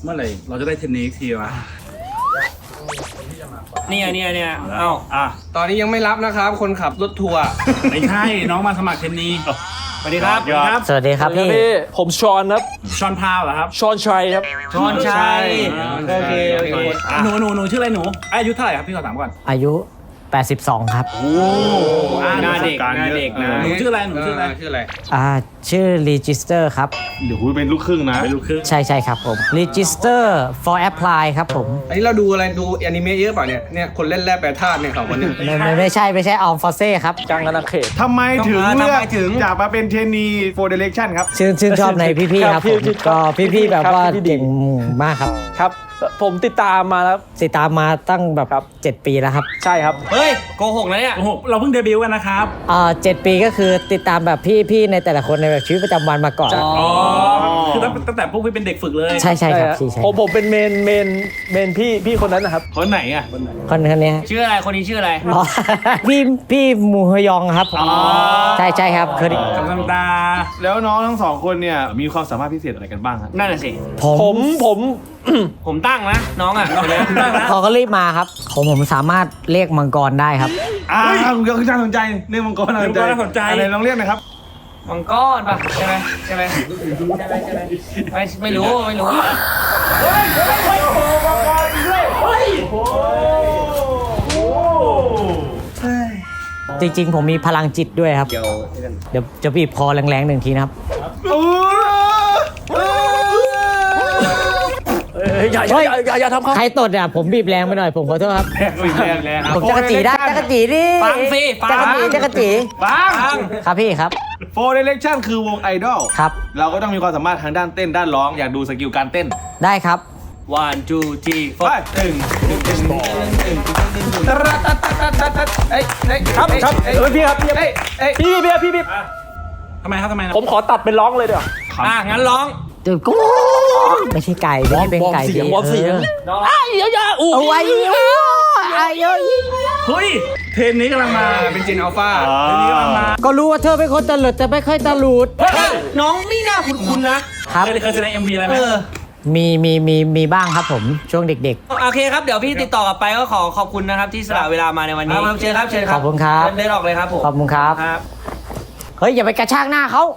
เมื่อไหร่เราจะได้เทนนิสทีวะเนี่ยเอ้าตอนนี้ยังไม่รับนะครับ คนขับรถทัวร์ไม่ใช่น้องมาสมัครเทนนิสสวัสดีครับสวัสดีครับพี่ผมชอนครับชอนพาวเหรอครับชอนชัยครับชอนชัยโอเคหนูชื่ออะไรหนูอายุเท่าไหร่ครับพี่ขอถามก่อนอายุ 82 ครับหน้าเด็กนะหนูชื่ออะไรหนูชื่ออะไรชื่ออะไรชื่อ Register ครับเดี๋ยวคุณเป็นลูกครึ่งนะเป็นลูกครึ่งใช่ครับผม Register for Apply ครับผมอันนี้เราดูอะไรดูแอนิเมะเยอะเปล่าเนี่ยคนเล่นแร่แปรธาตุเนี่ยสองคนเนี่ยไม่ใช่อัลฟาเซ่ครับกลางกนาเขตทำไมถึงทำไมเลือกถึงจากมาเป็นเทรนนีโฟร์เดเรคชั่นครับชื่นชอบในพี่ๆครับผมก็พี่ๆแบบว่าเก่งมากครับครับ ผมติดตามมาแล้วติดตามมาตั้งแบบครับ 7 ปีแล้วครับใช่ครับเฮ้ยโกหกนะเนี่ยโอ้โหเราเพิ่งเดบิวต์กันนะครับ 7 ปีก็คือติดตามแบบพี่ๆในแต่ละคนในแบบชีวิตประจำวันมาก่อนอ๋อคือตั้งแต่พวกพี่เป็นเด็กฝึกเลยใช่ครับฮะใช่ผมเป็นเมนพี่คนนั้นนะครับคนไหนอ่ะคนนี้ชื่ออะไรคนนี้ชื่ออะไรอ๋อ พี่มูฮยองครับใช่ครับเคยได้ธรรมดาแล้วน้องทั้งสองคนเนี่ยมีความสามารถพิเศษอะไรกันบ้างครับนั่นน่ะสิผมผมตั้งนะน้องอ่ะเขาก็รีบมาครับผมสามารถเรียกมังกรได้ครับคุณก็คือน่าสนใจเรื่องมังกรน่าสนใจอะไรลองเรียกหน่อยครับมังกรป่ะใช่ไหมไม่รู้จริงๆ ผมมีพลังจิตด้วยครับ เดี๋ยวจะบีบคอแรงๆหนึ่งทีนะครับอย่าทำครับใครตดอ่ะผมบีบแรงไปหน่อยผมขอโทษครับแรงผมจักรจีได้จักรจีดิฟังสิฟัจักรง จีจักรจีฟังครับพี่ครับโฟร์เดเรคชั่นคือวงไอดอลครับเราก็ต้องมีความสามารถทางด้านเต้นด้านร้องอยากดูสกิลการเต้นได้ครับ 1 2 3 ไป 4 ตึงครับพี่ครับพี่ทำไมครับทำไมนะผมขอตัดเป็นร้องเลยเดี๋ยวงั้นร้องเดี๋ยวกูไม่ใช่ไก่ไม่ได้เป็นไก่วอร์มเสียง อย่าอู้เอาไว้ไอ้เอ้ยเฮ้ยเทนนิสกำลังมาเป็นจินอัลฟาเทนนิสกำลังมาก็รู้ว่าเธอเป็นคนตลกแต่ไม่ค่อยตลุดน้องนี่น่าคุ้นๆนะครับเคยแสดง MV อะไรไหมมีบ้างครับผมช่วงเด็กโอเคครับเดี๋ยวพี่ติดต่อกลับไปก็ขอบคุณนะครับที่สละเวลามาในวันนี้เชิญครับขอบคุณครับเดินออกเลยครับผมขอบคุณครับครับเฮ้ยอย่าไปกระชากหน้าเขา